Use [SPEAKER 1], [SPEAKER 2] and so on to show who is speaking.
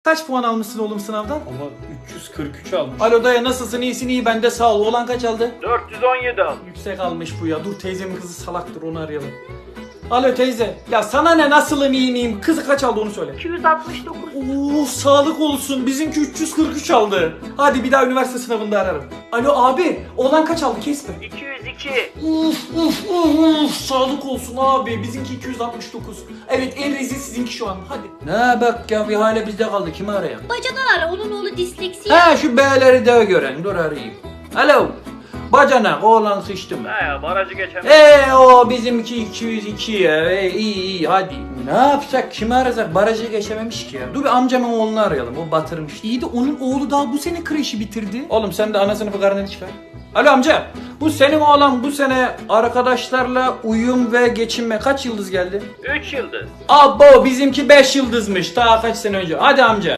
[SPEAKER 1] Kaç puan almışsın oğlum sınavdan?
[SPEAKER 2] Ama 343 almış.
[SPEAKER 1] Alo dayı nasılsın, iyisin? İyi ben de sağ ol. Oğlan kaç aldı?
[SPEAKER 3] 417 al.
[SPEAKER 1] Yüksek almış bu ya. Dur teyzemin kızı salaktır, onu arayalım. Alo teyze. Ya sana ne, nasılım iyi miyim? Kızı kaç aldı onu söyle.
[SPEAKER 4] 269.
[SPEAKER 1] Oo sağlık olsun. Bizimki 343 aldı. Hadi bir daha üniversite sınavında ararım. Alo abi. Oğlan kaç aldı kesme.
[SPEAKER 3] 202.
[SPEAKER 1] Uf, sağlık olsun abi. Bizimki 269. Evet en rezil sizinki şu an. Hadi. Ne bak ya, bir hale bizde kaldı. Kimi arayalım?
[SPEAKER 4] Bacadan ara, onun oğlu disleksi.
[SPEAKER 1] Ha şu B'leri de gören. Dur arayayım. Alo. Bacanak oğlan sıçtı mı?
[SPEAKER 3] He ya barajı geçen.
[SPEAKER 1] O bizimki 202 ya. İyi hadi. Ne yapsak, kimi arasak? Barajı geçememiş ki ya. Dur bir amcamın oğlunu arayalım, o batırmış. İyi de onun oğlu daha bu sene kreşi bitirdi. Oğlum sen de ana sınıfı karneni çıkar. Alo amca. Bu senin oğlan bu sene arkadaşlarla uyum ve geçinme kaç yıldız geldi?
[SPEAKER 3] 3 yıldız.
[SPEAKER 1] Abo bizimki 5 yıldızmış daha kaç sene önce. Hadi amca.